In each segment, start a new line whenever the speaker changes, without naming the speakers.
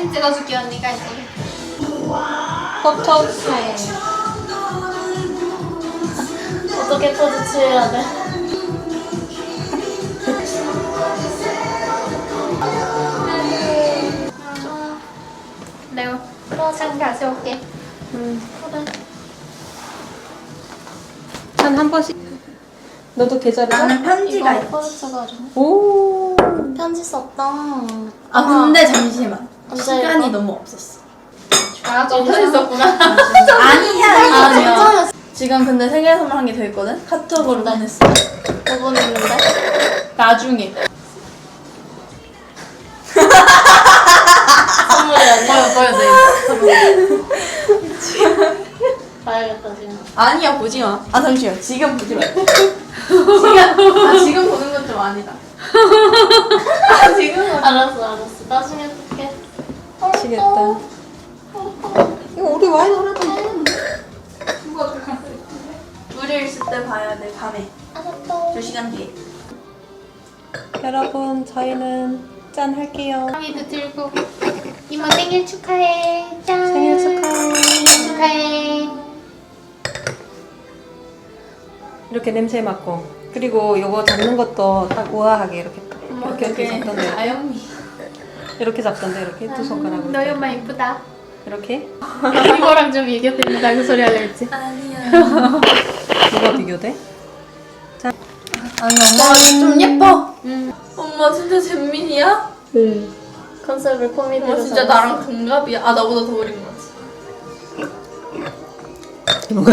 사진 찍어줄게 언니가 있어.
포토 프레임.
어떻게 포즈 취해야 돼? 레오, 산 가져올게. 그래.
한 번씩. 너도 계좌를?
나는 편지가
이거
있어.
포즈 찍어줘.
오.
편지 썼다.
아 근데 잠시만.
언제
시간이
이거?
너무 없었어.
아, 좀 편지 썼구나.
아니야.
진짜였어.
지금 근데 생일 선물 한 개 더 있거든? 카톡으로
뭔데?
보냈어.
뭐 보냈는데?
나중에.
선물이 아니야?
보여줘.
봐야겠다 지금.
아니야 보지 마. 아 잠시만. 지금 보지 마. 지금 보는 건 좀 아니다. 지금
알았어. 나중에 볼게.
미치겠다. 이거 우리 와인 하나도
둘이 있을 때 봐야 돼. 밤에.
알았어.
2시간 뒤에.
여러분, 저희는 짠 할게요.
가위도 들고 이모 생일 축하해. 짠.
생일 축하해.
축하해.
이렇게 냄새 맡고. 그리고 요거 잡는 것도 딱 우아하게 이렇게 이렇게 잡던데.
아영미.
이렇게 잡던데 이렇게 두 손가락으로.
너희 엄마 이쁘다.
이렇게.
이거랑 좀 비교됩니다. 그 소리 하려 했지.
아니야.
뭐가 비교돼?
아니 엄마 좀 예뻐. 엄마 진짜 잼민이야?
네.
컨셉을 코미디로.
엄마 진짜 나랑 동갑이야. 아 나보다 더 어린 거 같지.
뭔가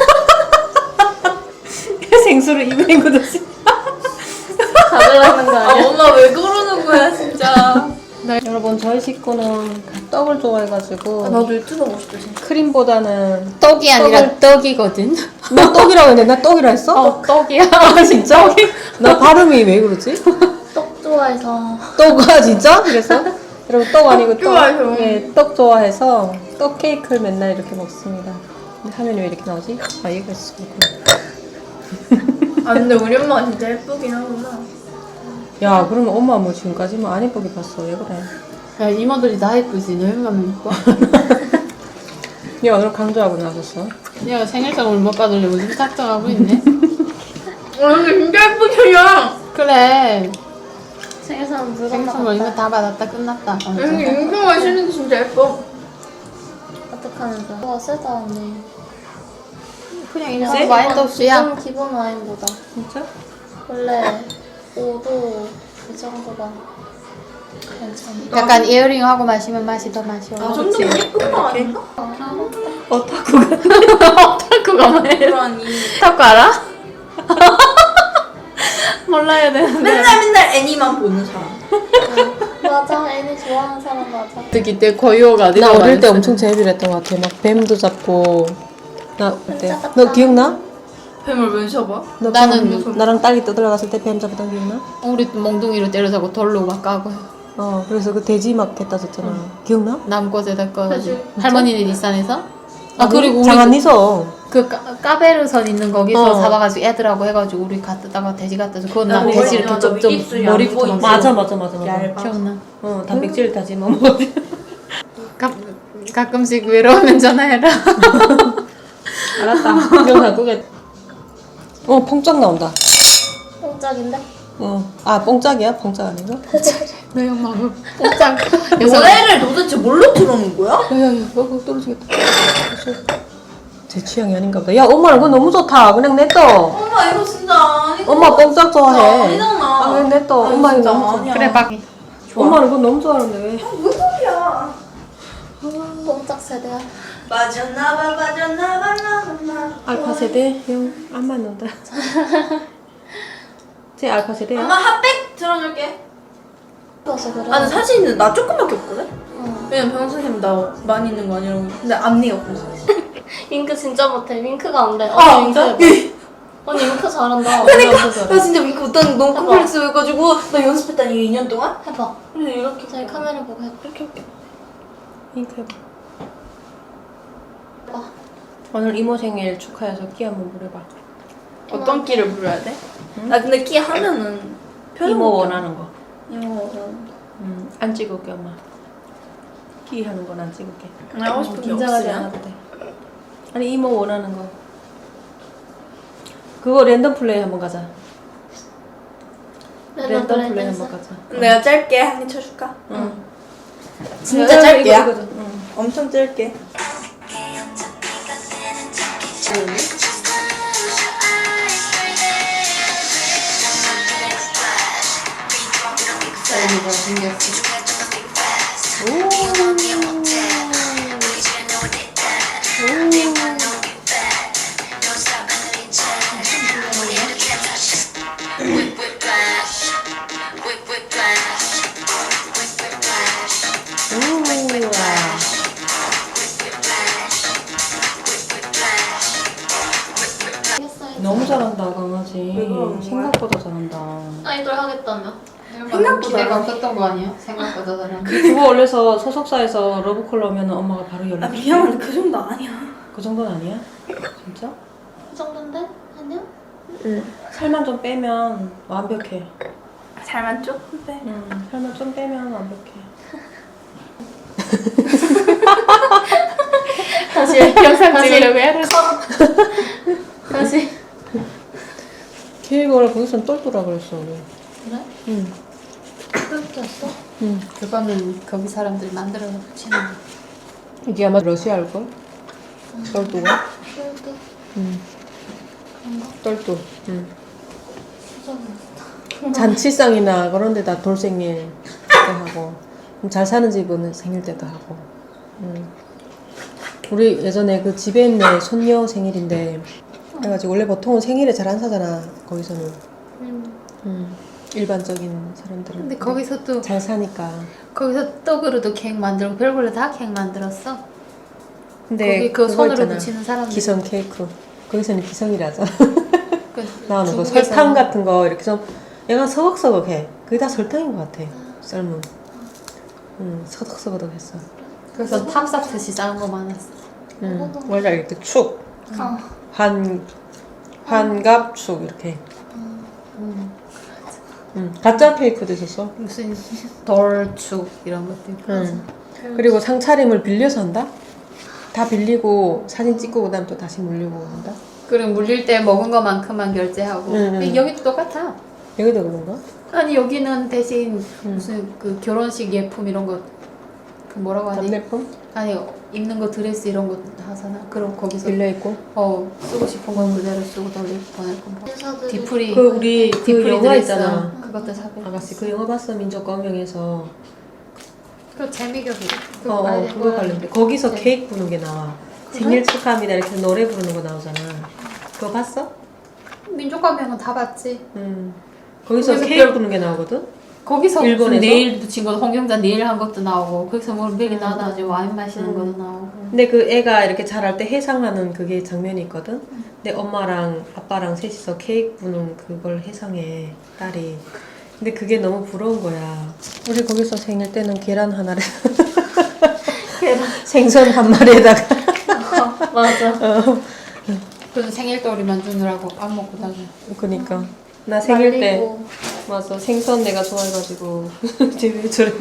생수를 입에 묻었지.
가져가는 거
아
아니야?
엄마 왜 그러는 거야 진짜.
여러분, 저희 식구는 떡을 좋아해가지고
아, 나도 유튜버 하고 싶다 진짜.
크림보다는
떡이 아니라 떡이거든.
나 떡이라고 했는데 나 떡이라 했어?
떡이야.
아 진짜? 나 발음이 왜 그러지?
떡 좋아해서.
떡아 진짜? 그래서? 여러분 떡 아니고 떡.
좋아해서.
네, 떡 좋아해서 떡 케이크를 맨날 이렇게 먹습니다. 근데 화면이 왜 이렇게 나오지? 아 얘가 있어.
아 근데 우리 엄마가 진짜 예쁘긴 하구나.
야 그러면 엄마 뭐 지금까지만 안 예쁘게 봤어. 왜 그래?
야 이모들이 다 예쁘지. 너희만 예뻐.
얘 오늘 강조하고 나섰어.
얘가 생일 선물 못 받으려고 지금 작정하고 있네.
오늘 진짜 예쁘잖아.
그래. 생일 선물 이거 다 받았다. 끝났다.
여기 윤경아 신은 진짜 예뻐.
어떡하면서. 와 세다 언니. 그냥
세?
와인도 없이야. 기본 와인보다.
진짜?
원래 5도 이 정도가 괜찮아. 약간 이어링 하고 마시면 맛이 더 맛이
아,
올라.
좀더 예쁜 거 아닌가?
오타쿠가.
오타쿠가 뭐예요?
그러니.
오타쿠 알아? 몰라야 되는데.
맨날 애니만 보는 사람.
맞아. 애니 좋아하는 사람 맞아.
그때 고요가
나 어릴 때 엄청 재미를 것 같아. 막 뱀도 잡고. 나 그때 너 기억나?
뱀을 왜 잡아?
너
나는
뱀, 나랑 딸이 떠들어갔을 때 뱀 잡았던 기억나?
우리 몽둥이로 때려잡고 돌로 막 까고
그래서 그 돼지 막 했다 줬잖아. 기억나?
나무꽃에다 꺼가지고
그치.
할머니네 뒷산에서. 아 그리고 우리
장안니서.
그 까베르선 있는 거기서
어.
잡아가지고 애들하고 해가지고 우리 갖다가 돼지 갖다 줘. 그건 나
나
돼지
머리-
이렇게
맞아,
좀
입술이
머리
안
꼬이.
붙어.
맞아.
얇아.
기억나.
단백질 다지면 뭐.
가끔씩 외로우면 전화해라.
알았다. 기억나 그게. 뽕짝 나온다.
뽕짝인데?
뽕짝이야? 뽕짝 아닌가?
너희 엄마 그 뽕짝.
노래를 도대체 뭘로 틀어놓은 거야?
야야야, 떨어지겠다. 제 취향이 아닌가 보다. 야, 엄마는 그거 너무 좋다. 그냥 냅둬.
엄마 이거 진짜 아니고.
엄마 뽕짝 좋아해.
아니잖아.
왜 냅둬?
아니,
엄마 이거
진짜
너무 좋아.
아니야.
그래 막
엄마는 그거 너무 좋아하는데 왜?
무슨 소리야?
뽕짝 세대야.
빠졌나봐 나봐.
알파 세대? 형, 안 맞는다. 제 알파 세대야?
엄마 핫백 틀어줄게.
그래서 그래.
아 근데 사실은 나 조금밖에 없거든?
응.
왜냐면 병원 선생님 나 많이 있는 거 아니라고. 근데 앞니가 없어서.
윙크 진짜 못해. 윙크가 안 돼.
아
언니 윙크
진짜?
해봐. 언니 윙크 잘한다.
그러니까
윙크 잘해.
나 진짜 윙크 못하는 거 너무
해봐.
컴플렉스 해가지고 나 연습했다니 2년 동안?
해봐.
근데 이렇게
저희 카메라 보고 해봐.
이렇게
잉크 해봐.
해봐.
오늘 이모 생일 축하해서 끼 한번 부려봐.
어떤 끼를 부려야 돼? 나 근데 끼 하면은
이모 원하는 거.
이모
안 찍을게 엄마. 찍기 하는 건 안 찍을게.
하고 싶은 게
긴장하지
없으면?
않아도 돼. 아니 이모 원하는 거. 그거 랜덤 플레이 한번 가자. 랜덤 플레이 한번 가자.
내가 짧게 한 개 쳐줄까?
응.
진짜 짧게야?
이거, 응.
엄청 짧게.
쌀미가 생겼어.
너무 잘한다 강아지.
왜 그러는 거야?
생각보다 잘한다.
아이돌 하겠다며.
생각보다 기대가 없었던 거 아니야? 생각보다 잘하는.
그거 원래서 소속사에서 러브콜 하면 엄마가 바로 연락.
미안한데 그 정도 아니야.
그 정도는 아니야? 진짜?
그 정도인데? 아니야?
응. 살만 좀 빼면 완벽해.
살만 조금 빼.
응. 살만 좀 빼면 완벽해.
다시 영상 찍으려고 해야 돼. 다시.
케이크를 거기선 똘똘하 그랬어 우리.
그래?
응.
그렇게 했어?
응.
그거는 거기 사람들이 만들어서 붙이는 거.
이게 아마 러시아일걸? 똘똘가?
그래도
응.
그런가?
똘똘. 응.
수정이
잔치상이나 그런 데다 돌생일 때 하고 잘 사는 집은 생일 때도 하고. 우리 예전에 그 집에 있는 손녀 생일인데 그래가지고 원래 보통은 생일에 잘 안 사잖아 거기서는. 일반적인 사람들은.
근데 거기서 또
잘 사니까.
거기서 떡으로도 케이크 만들고 별걸로 다 케이크 만들었어.
근데
거기 그
그거
손으로
있잖아.
붙이는 사람들.
기성 케이크. 거기서는 기성이라서
그
나오는 거
중국에서
설탕 같은 거 이렇게 좀 얘가 서걱서걱해. 그게 다 설탕인 것 같아. 삶은. 서걱서걱했어.
그래서 탑사트시 작은 거 많았어.
원래 이렇게 축, 환갑축 이렇게. 가짜 케이크도 있었어.
무슨 돌축 이런 것도 있고.
그리고 상차림을 빌려서 한다. 다 빌리고 사진 찍고 그다음 또 다시 물리고 한다.
그리고 물릴 때 먹은 것만큼만 결제하고. 여기도 똑같아.
여기도 그런가?
아니 여기는 대신 무슨 그 결혼식 예품 이런 거 그 뭐라고 하지?
답례품
아니 입는 거 드레스 이런 거 하잖아. 그럼 거기서
빌려 있고.
쓰고 싶은 건 그대로 쓰고 돌리고 보낼 거. 디프리
그 우리 그
디프리
영화
드레스
있잖아.
그것도 사고.
아가씨 그 영화 봤어 민족과 운명에서.
그 재미격이.
그거 관련돼. 거기서
네.
케이크 부는 게 나와.
그래?
생일 축하합니다 이렇게 노래 부르는 거 나오잖아. 그거 봤어?
민족가명은 다 봤지.
거기서
거기서
케이크 부는 게 나오거든.
거기서
일본에서?
무슨 네일 붙인 거 홍경자 네일 한 것도 나오고 거기서 뭐 맥이 나와가지고 와인 마시는 것도 나오고.
근데 그 애가 이렇게 자랄 때 해상하는 그게 장면이 있거든. 근데 엄마랑 아빠랑 셋이서 케이크 부는 그걸 해상해 딸이. 근데 그게 너무 부러운 거야. 우리 거기서 생일 때는 계란 하나를 생선 한 마리에다가
맞아.
그래서 생일돌이 만드느라고 안 먹고 다녀.
그니까 나 생일 때
말리고.
맞아 생선 내가 좋아해가지고 집에 저래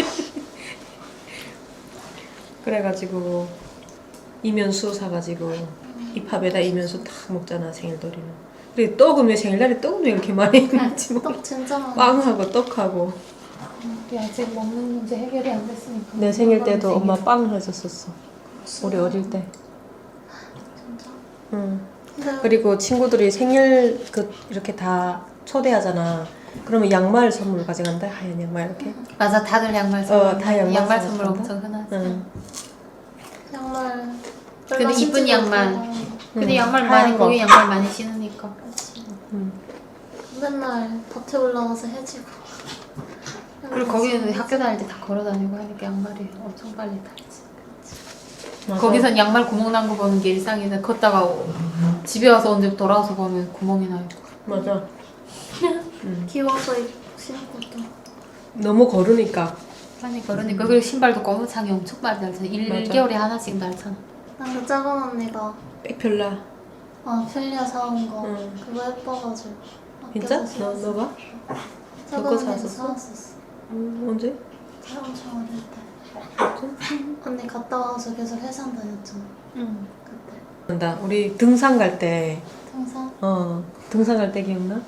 그래가지고 이면수 사가지고 이 팝에다 이면수 딱 먹잖아 생일돌이는. 그리고 떡은 왜 생일날에 떡은 왜 이렇게 많이 먹지?
떡 진짜 많아.
빵하고 떡하고.
우리 아직 먹는 문제 해결이 안 됐으니까.
내 생일 때도 엄마 빵 해줬었어. 우리 어릴 때.
진짜.
응.
근데
그리고 친구들이 생일 그 이렇게 다 초대하잖아. 그러면 양말 선물 가져간다. 하얀 양말 이렇게.
맞아, 다들 양말 선물.
다 양말
선물
선물
엄청 흔하지.
응.
양말.
근데
별로
이쁜
신지도
양말.
못하고.
근데 양말
하얀
많이
거.
거기 양말 많이 신으니까.
응.
맨날 밭에 올라가서 해지고.
그리고 거기는 학교 다닐 때 다 걸어 다니고 하니까 양말이 엄청 빨리 닳지.
맞아.
거기선 양말 구멍 난 거 보는 게 일상인데 걷다가 집에 와서 언제 돌아와서 보면 구멍이 나요.
맞아.
귀여워서 신고 또.
너무 거르니까.
많이 걸으니까. 그리고 신발도 고무창이 엄청 빨리 닳잖아. 1개월에 하나씩 닳잖아.
난 그 작은 언니가
백별라.
필리아 사온 거
응.
그거 예뻐가지고.
진짜?
아껴서
너
신었어.
너가?
작은
그거
언니도
사왔었어?
사왔었어.
언제?
엄청 어릴 때.
언니 갔다 와서 계속 해상 다녔잖아.
응.
그때.
우리 등산 갈 때,
항상.
등산 갈 때 기억나?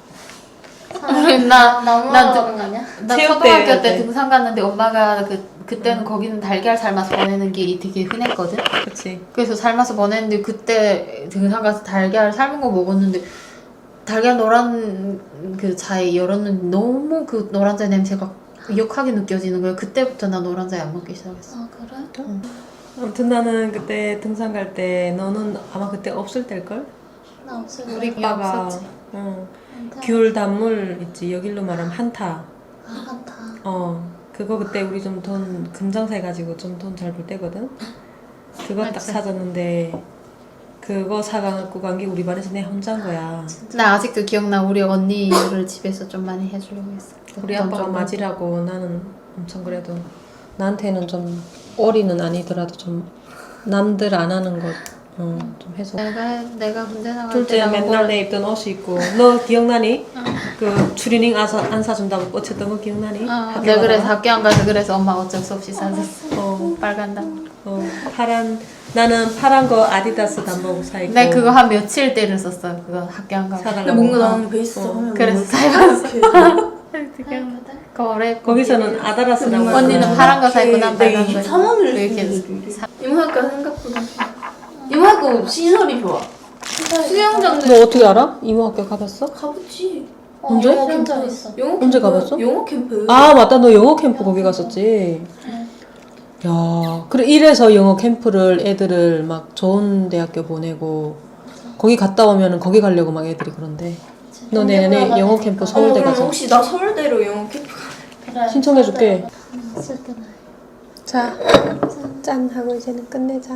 나무하러
나
가는 거 아니야?
나
체육대회
초등학교
할
때
때.
등산 갔는데 엄마가 그때는 거기는 달걀 삶아서 보내는 길이 되게 흔했거든.
그치.
그래서 삶아서 보냈는데 그때 등산 가서 달걀 삶은 거 먹었는데 달걀 노란 그 자에 열었는데 너무 그 노란자 냄새가 역하게 느껴지는 거야. 그때부터 나 노란자 안 먹기 시작했어.
아 그래?
아무튼 나는 그때 등산 갈 때, 너는 아마 그때 없을 때일걸?
나 없을 때.
우리
오빠가,
없었지.
귤 단물 있지, 여길로 말하면 한타.
아 한타.
그거 그때 우리 좀 돈 금장사 해가지고 좀 돈 잘 벌 때거든. 그거 딱
맞지.
사줬는데 그거 사갖고 간 게 우리 반에서 내 혼자인 거야.
나 아직도 기억나. 우리 언니를 집에서 좀 많이 해주려고 했어.
우리
돈
아빠가
좀
맞이라고 나는 엄청 그래도 나한테는 좀 어리는 아니더라도 좀 남들 안 하는 것 좀 해서.
내가 군대 나갈
둘째
때
맨날 내 입던 옷이 있고 너 기억나니? 그 추리닝 안 사준다고 꽂혔던 거 기억나니? 학교
내가 그래서
가다가?
학교 안 가서 그래서 엄마 어쩔 수 없이 사줬어. 빨간 단.
나는 파란 거 아디다스 단복 사 입고.
내 그거 한 며칠 때를 썼어. 그거 학교 안 가고.
사달라고.
근데 뭔가 나는 베이스 하면
그래서
사입었어.
거래
거기서는 아다라스라고.
언니는
하잖아.
파란 거 사 입고 난 빨간 거.
3 원을
이렇게
이모학과 생각보다 이모학과 시설이 좋아. 수영장도
너 어떻게 알아? 이모 학교 가봤어?
가보지.
언제?
영어
수영장
캠프.
있어.
영어
언제
캠프.
가봤어?
영어 캠프.
아 맞다, 너 영어 캠프 거기 갔었지. 야, 그래 이래서 영어 캠프를 애들을 막 좋은 대학교 보내고 거기 갔다 오면은 거기 가려고 막 애들이 그런데. 너 내년에 영어 캠프 서울대
그럼
가자.
혹시 나 서울대로 영어 캠프
그래.
신청해줄게.
있을 때는.
자, 짠 하고 이제는 끝내자.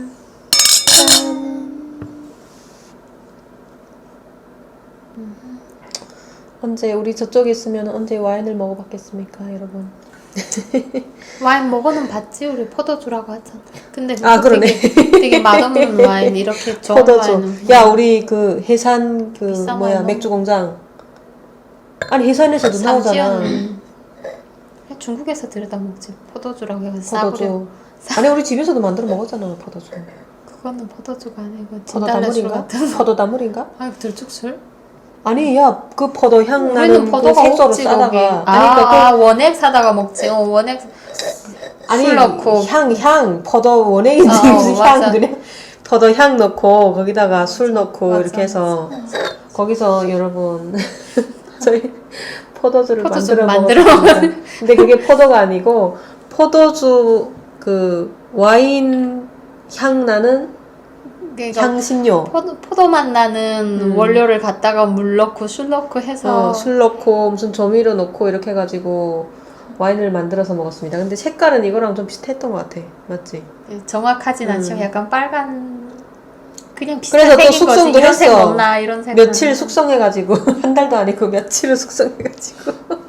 언제 우리 저쪽에 있으면 언제 와인을 먹어봤겠습니까, 여러분?
와인 먹어는 봤지. 우리 포도주라고 하잖아. 근데
아, 그러네.
되게 맛없는 와인 이렇게 좋은
포도주.
와인은
야, 우리 그 해산 그
비싼
뭐야
와인
맥주 공장. 아니 해산에서도 나오잖아.
삼지연. 중국에서 들여다 먹지. 포도주라고 해서 싸구려.
포도주. 아니 우리 집에서도 만들어 먹었잖아 포도주.
그거는 포도주가 아니고
포도
진달래술
나물인가?
같은.
포도 나물인가?
아 들쭉술?
아니 야 그 포도 향
우리는
나는 그
포도가
색소를
없지
싸다가
거기.
아니 그러니까
원액 사다가 먹지. 원액
아니
술 넣고.
향 포도 원액인지 무슨
맞아.
향 그래? 포도 향 넣고 거기다가 술 넣고
맞아.
이렇게 해서 거기서 여러분 저희 포도주를
포도주
만들어 먹었습니다. 근데 그게 포도가 아니고 포도주 그 와인 향 나는
그러니까
향신료.
포도 맛 나는 원료를 갖다가 물 넣고 술 넣고 해서
술 넣고 무슨 조미료 넣고 이렇게 해가지고 와인을 만들어서 먹었습니다. 근데 색깔은 이거랑 좀 비슷했던 것 같아. 맞지?
정확하진 않지만 약간 빨간 그냥
그래서
비슷한
또
색인 거지.
숙성도
이런 색
했어.
먹나 이런 색
며칠 숙성해가지고 한 달도 아니고 며칠을 숙성해가지고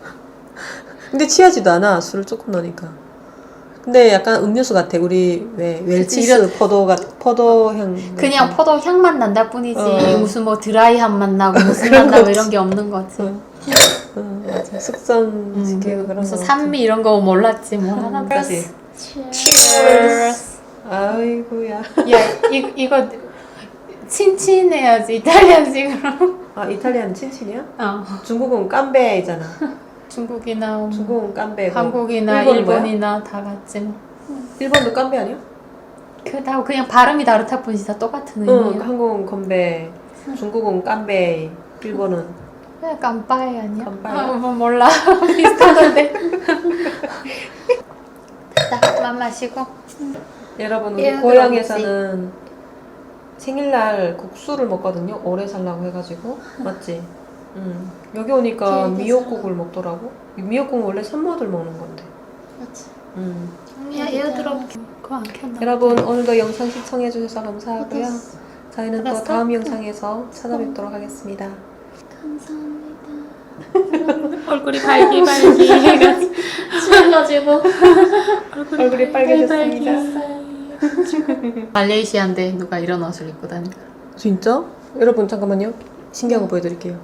근데 취하지도 않아. 술을 조금 넣으니까. 근데 약간 음료수 같아. 우리 왜 웰치스 포도 향
그냥 포도 향만 난다 뿐이지
어.
무슨 뭐 드라이한 맛 나고 무슨
그런
맛 나고
거
이런 게 없는 거지.
맞아. 숙성시키고 그런 거.
무슨 산미 이런 거 몰랐지 뭐 하나.
까지.
Cheers.
아이고야.
야 이거 친친해야지 이탈리안식으로.
아 이탈리아는 친친이야?
중국은
깜베이잖아.
중국이나 뭐
중국은 깜베고.
한국이나
일본은 뭐야?
일본이나 다 같지 뭐.
일본도 깜베 아니야?
다 그냥 발음이 다르다 뿐이지 다 똑같은
응,
의미야.
한국은 건베, 중국은 깜베, 일본은
그냥 깜빠이 아니야?
깜빠이.
뭐 몰라. 비슷하던데. 자, 맘 마시고.
여러분 우리
얘가
고향에서는 생일날 국수를 먹거든요. 오래 살라고 해가지고 맞지? 여기 오니까
기억이
미역국을 먹더라고. 미역국은 원래 산모들 먹는 건데.
맞지.
야, 에어드롭 그거 안 켰나?
여러분 오늘도 영상 시청해주셔서 감사하고요.
어땠어?
저희는 또
알았어?
다음 영상에서 찾아뵙도록 하겠습니다.
감사합니다.
얼굴이 발기발기 해가지고.
취해가지고
얼굴이 빨개졌습니다.
말레이시아인데 누가 이런 옷을 입고 다니?
진짜? 여러분 잠깐만요. 신기한 거 보여드릴게요.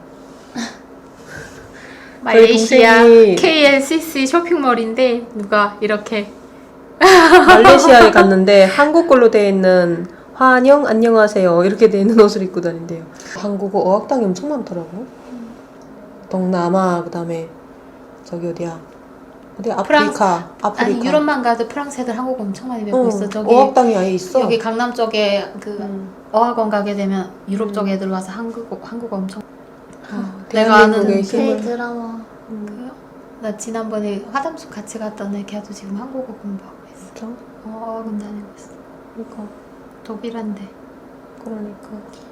말레이시아
동생이-
KLCC 쇼핑몰인데 누가 이렇게
말레이시아에 갔는데 한국 걸로 되어 있는 환영 안녕하세요 이렇게 되어 있는 옷을 입고 다닌대요. 한국어 어학당이 엄청 많더라고. 동남아 그다음에 저기 어디야? 어디 아프리카 아프리카.
아니 유럽만 가도 프랑스 애들 한국어 엄청 많이 배우고 있어. 저기
어학당이 아예 있어.
여기 강남 쪽에 그 어학원 가게 되면 유럽 쪽 애들 와서 한국어 엄청. 내가 아는
대한민국의
K
힘을.
드라마.
나 지난번에 화담숙 같이 갔던 애 걔도 지금 한국어 공부하고 있어.
진짜?
어학원 다니고 있어.
그러니까
독일한데.
그러니까